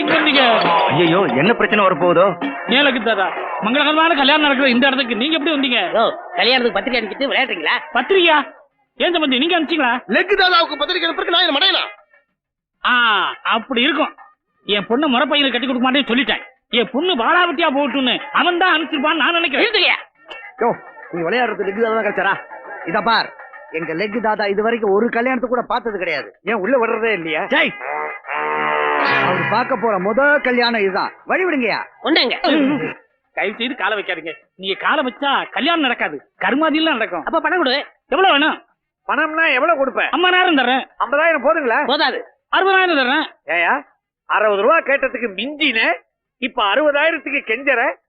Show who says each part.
Speaker 1: இங்க வந்தீங்க?
Speaker 2: ஐயோ என்ன பிரச்சனை வரப்போகுதோ?
Speaker 1: ஏலக்கு தாதா, மங்களகரமான கல்யாணம் நடக்கிற இந்த இடத்துக்கு நீங்க எப்படி வந்தீங்க?
Speaker 3: கல்யாணத்துக்கு பத்திரிக்கை அனுப்பிட்டு விளையாடுறீங்களா?
Speaker 1: பத்திரிக்கையா? ஏன் சம்பந்தி நீங்க அனுப்பிச்சீங்களா?
Speaker 4: லெக் தாதாவுக்கு பத்திரிக்கை அனுப்புறதுக்கு நான் என்ன மடையனா?
Speaker 1: அப்படி இருக்கும். என் பொண்ணு முறை பையனுக்கு கட்டி கொடுக்க மாட்டேன்னு சொல்லிட்டேன். என் பொண்ணு பாலாவட்டியா போட்டுன்னு அவன் தான் அனுப்பிச்சிருப்பான்னு நான் நினைக்கிறேன்.
Speaker 2: நீ விளையாடுறது லெக் தாதா கிடைச்சாரா? இத பார், எங்க லெக் தாதா இது வரைக்கும் ஒரு கல்யாணத்துக்கு கூட பார்த்தது கிடையாது. ஏன் உள்ள வர்றதே இல்லையா? அவர் பார்க்க போற முதல் கல்யாணம் இதுதான். வழி விடுங்கயா.
Speaker 3: ஒண்ணுங்க.
Speaker 1: தயவு செய்து காலை வைக்காதீங்க. நீங்க காலை வச்சா கல்யாணம் நடக்காது, கருமாதியெல்லாம் நடக்கும்.
Speaker 3: அப்ப பணம் கொடு.
Speaker 1: எவ்வளவு வேணும்?
Speaker 2: பணம்னா எவ்வளவு கொடுப்பேன்?
Speaker 1: 50,000 தர்றேன்.
Speaker 2: 50,000 போதுங்களா?
Speaker 3: போதாது.
Speaker 1: 60,000 தர்றேன்.
Speaker 2: ஏயா 60 ரூபா கேட்டதுக்கு மிஞ்சின இப்ப 60,000க்கு கெஞ்சற.